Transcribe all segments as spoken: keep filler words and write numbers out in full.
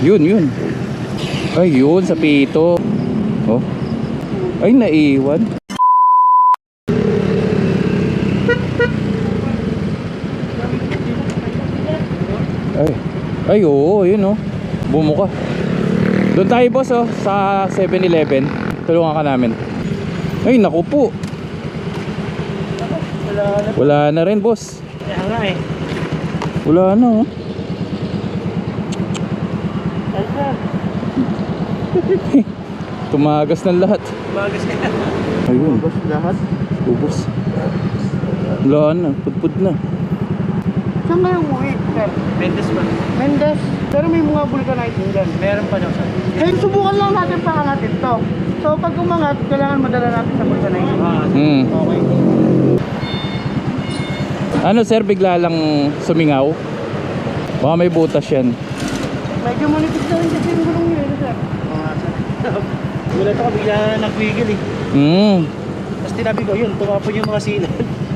Yun, yun. Ay, yun, sa pito. Oh. Ay, naiwan. Ay, ay, oo, yun oh. Bumuka. Doon tayo boss oh, sa seven eleven. Tulungan ka namin. Ay, naku po. Wala na. Wala na rin boss. Kaya nga eh. Wala na oh. Ay sir. Tumagas ng lahat. Bagas ka. Ayun. Ubos lahat. Ubos. Wala na, pudpud na. Saan kayo umuwi sir? Mendes pa. Mendes? Pero may mga vulcanite din dyan. Meron pa daw sir. Kaya subukan lang natin pakangatin to. So pag umangat, kailangan madala natin sa vulcanite. Ah, Hmm. okay. Ano sir, bigla lang sumingaw? Baka may butas yan. Medyo manipis na rin kasi yung gulong nyo eh sir. Oo nga sir. Gulat ako, bigla na nagwigil eh. Hmm. Tapos tinabi ko, yun, tumapon yung mga sinan.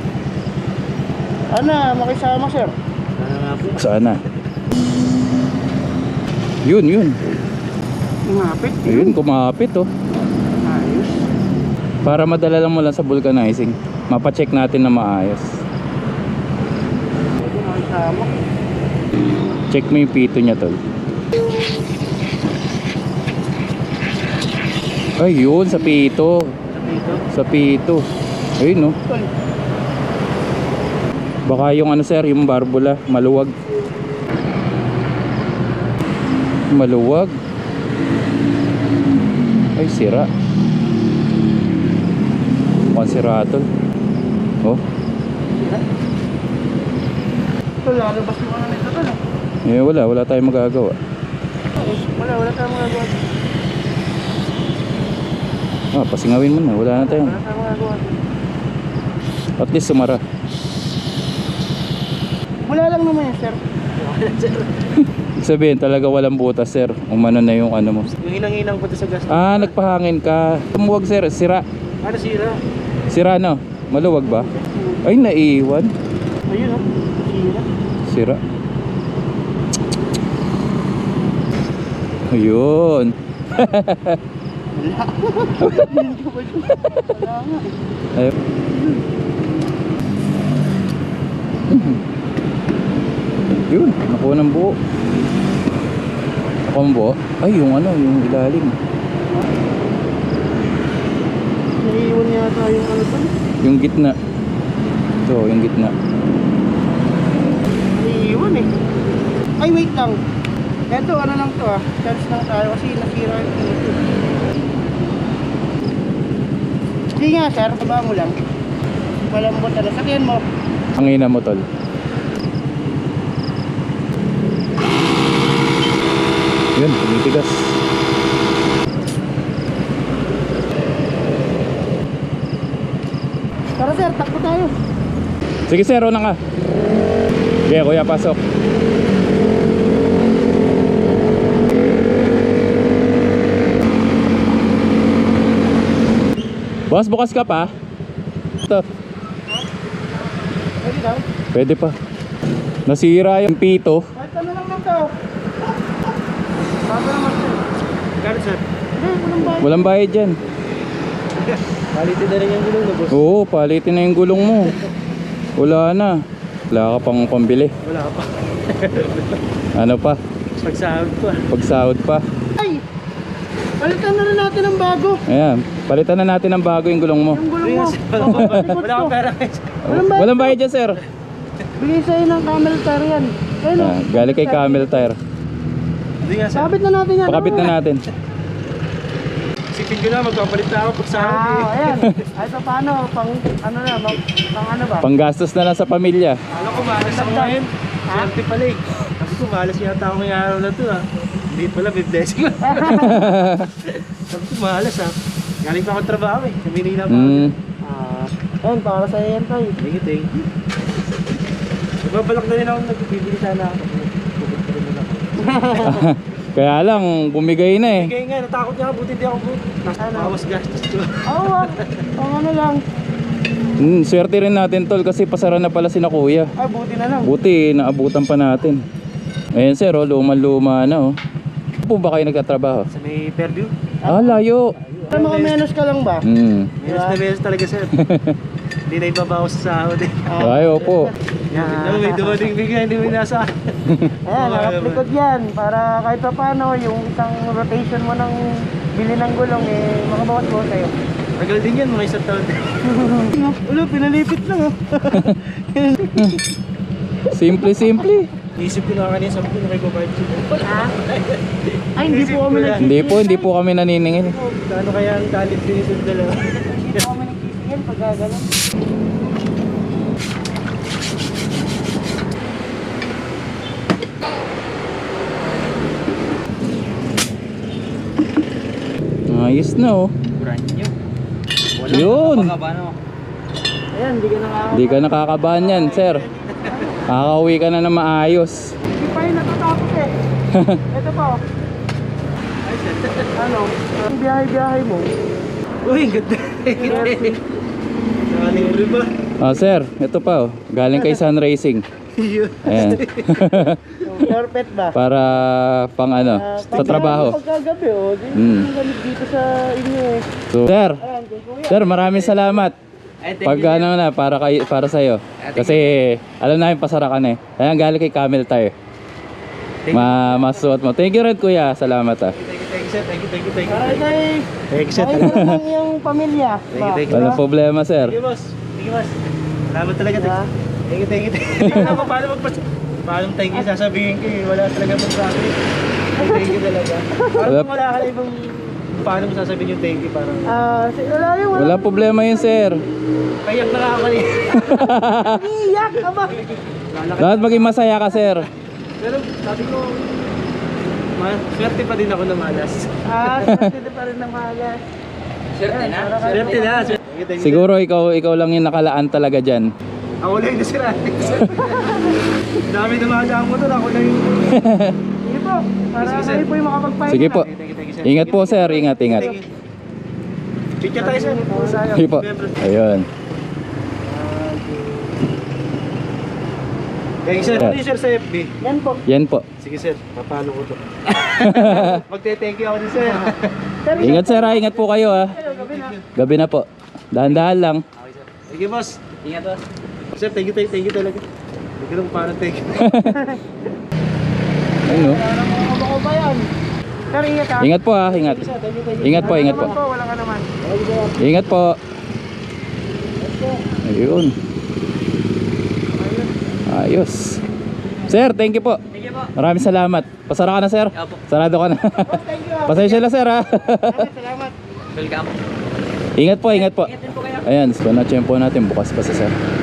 Ano, makisama sir? Ano nga po? Sana. Yun, yun. Umapit. Ayun, kumapit oh. Ayos. Para madala lang mo lang sa vulcanizing. Mapacheck natin na maayos. Pwede makisama. Check mo yung pito niya tol. Ay yun, sa pito. Dito. Sa pito. Ayun no. Tol. Baka yung ano sir, yung barbula, maluwag. Maluwag. Ay sira. Mukhang sira tol. Oh. Tol, lalabas mo ka na nito tol. Eh wala, wala tayong magagawa. Wala, wala tayong magagawa. Ah, pasingawin mo na, wala na tayong. Wala tayong magagawa. At least sumara. Wala lang naman yan sir. Ibig sabihin talaga walang butas sir. Umano na yung ano mo. Yung hinang-hinang ko sa gas. Ah, nagpahangin ka. Tumuwag sir, sira. Ano sira? Sira no? Maluwag ba? Ay, naiwan. Ayun oh. Sira. Sira. Ayun. Wala. Wala nga. Ayun. Yun, nakuha ng buo. Nakuha ng buo? Ay, yung ano, yung ilalim. Naiiwan yata yung ano tol. Yung gitna. Ito, yung gitna. Naiiwan eh. Ay wait lang. Eto ano lang to ah. Chance lang tayo kasi nasira yung pinito. Hindi nga sir, taba mo lang. Malambot na. Sakyan mo. Hangina mo tol. Yun, tumitigas. Tara sir, takbo tayo. Sige sir, una ka. Okay, kuya, pasok. Boss, bukas ka pa? Ito. Pwede daw. Pwede pa. Nasira yung pito. Kahit ano lang lang to. Bago naman sir. Gano'n sir? Hindi, walang bahay. Walang bayad dyan. Palitin na rin yung gulong na boss. Oo, palitin na yung gulong mo. Wala na. Wala ka pang pambili. Wala pa. Ano pa? Pagsahod pa. Pagsahod pa. Ay! Palitan na rin natin ng bago. Ayan, palitan na natin ng bago yung gulong mo. Yung gulong mo. Wala akong pera. Walang bayad. Walang bayad dyan sir. Bigay sa'yo ng camel tire yan. Ayun Ah, galing kay Camel Tire. Hindi nga sir. Kabit na natin yan. Pakabit na natin. Isipin ko na, magpapalit na ako pag sahod eh. Ah, ayan. Ay, so paano? Pang, ano na, pang, pang ano ba? Panggastos na lang sa pamilya. Alam ko, malas ako ngayon. Swerte pala eh. Kasi ko, malas yata ako ngayong araw na to ah. Hindi pala, may blessing lang. Sabi ko, malas ah. Galing pa ako trabaho eh. Sa Manila pa ako. Mm. Ah, ayun, para sa yan tayo. Thank you, thank you. Babalak na rin ako, nagbibili sana ako. Bubog pa rin na ako. Kaya lang, bumigay na eh. Bigay nga, natakot niya ako, buti hindi ako buti. Bawas gastos ko. Oo, pang ano lang. Mm, swerte rin natin tol kasi pasara na pala si na kuya. Ay, buti na lang. Buti, naabutan pa natin. Ayan sir, oh, luma-luma na oh. po ba kayo nagtatrabaho? Sa may Fairview. Ah, layo. Pero mga menos ka lang ba? Hmm. Menos na menos talaga sir. Hindi na ibabawas sa sahod eh. Ay, opo. Yan. May dumating bigla, hindi mo nasa. Ayan, nakaplikod yan. Para kahit pa paano, yung isang rotation mo ng bili ng gulong eh, makabawas mo sa'yo. Tagal din yan, mga isang taon. Ulo, pinalipit lang oh. Simple, simple. Isip ko na kanina, sabi ko na kay Kubayt. Ha? Ay, hindi po kami nag Hindi po, hindi po kami naniningil. Gaano kaya ang talit din yung dalawa? Hindi po kami nag-isip pag gagalan. Ayos na oh. Brand new. Yun. Ayan, hindi ka nakaka... Hindi ka nakakabahan yan, sir. Kakauwi ka na na maayos. Hindi pa yun natatapos eh. Ito pa oh. Ano? Ang biyahe-biyahe mo. Uy, ganda. Nakalibre ba? Ah, sir, ito pa oh. Galing kay Sun Racing. Ayan. Carpet ba? Para pang ano, Ah, sa trabaho. Pagkagabi oh. Di Hmm. ang gamit dito sa inyo eh. So, sir, Ayan, kay kuya. sir, maraming salamat. Pag ano na, para, kay, para sa'yo. Kasi alam namin pasara ka na eh. Ayan, galing kay Camel Tire. Ma masuot mo. Thank you rin kuya. Salamat ah. Thank you, thank you, sir. Thank you, thank you, thank you. Para kay... Thank you, sir. Ay, lang yung pamilya. Thank you, thank you. Walang problema sir. Thank you, boss. Thank you, boss. Salamat talaga. Thank you, thank you, thank you. Hindi ko alam kung paano magpas... Paano thank you sasabihin ko eh. Wala talaga magsabi. Thank you talaga. Parang Wala- kung wala ka na ibang... Paano mo sasabihin yung thank you? Parang... Ah, si- wala yung wala. Walang problema yun sir. Payak na ako kanina. Iyak ka ba? Dapat maging masaya ka sir. Pero sabi ko... Ma, swerte pa din ako na malas. Ah, swerte pa rin ng malas. Swerte na? Swerte na. Swerte. Thank you, thank you. Siguro ikaw ikaw lang yung nakalaan talaga dyan. Ako lang yung nasira. Dami dumadaan mo doon. Ako lang yung... Sige po, para Sige, sir. kayo po yung makapagpahinga. Sige po. Thank you, thank you, sir. Ingat po sir. Ingat, ingat. Thank you. Picture tayo sir. Sige po. Ayun. Thank you sir. Ano yung sir sa F B? Yan po. Yan po. Sige sir, papalo ko to. Magte-thank you ako din sir. Sir, Ingat sir ha. Ingat po kayo ha. gabi na. Gabi na po. Dahan-dahan lang. Okay sir. Thank you boss. Ingat boss. Sir, thank you, thank you, thank you talaga. Hindi ko lang paano thank you. Ayun no. Parang mga ko ba yan? Sir, ingat ha. Ingat po ha. Ingat. Thank you sir, thank you, thank you. Ingat po, ingat po. Wala ka naman po, wala ka naman. Okay sir. Ingat po. Ayun. Ayos. Sir, thank you po. Thank you po. Maraming salamat. Pasara ka na sir. Opo. Sarado ka na. Thank you. Pasensya na sir ha. Salamat, salamat. Welcome. Ingat po, ingat po. Ingat din po kayo. Ayan, so na-tsempo natin bukas pa sa sir.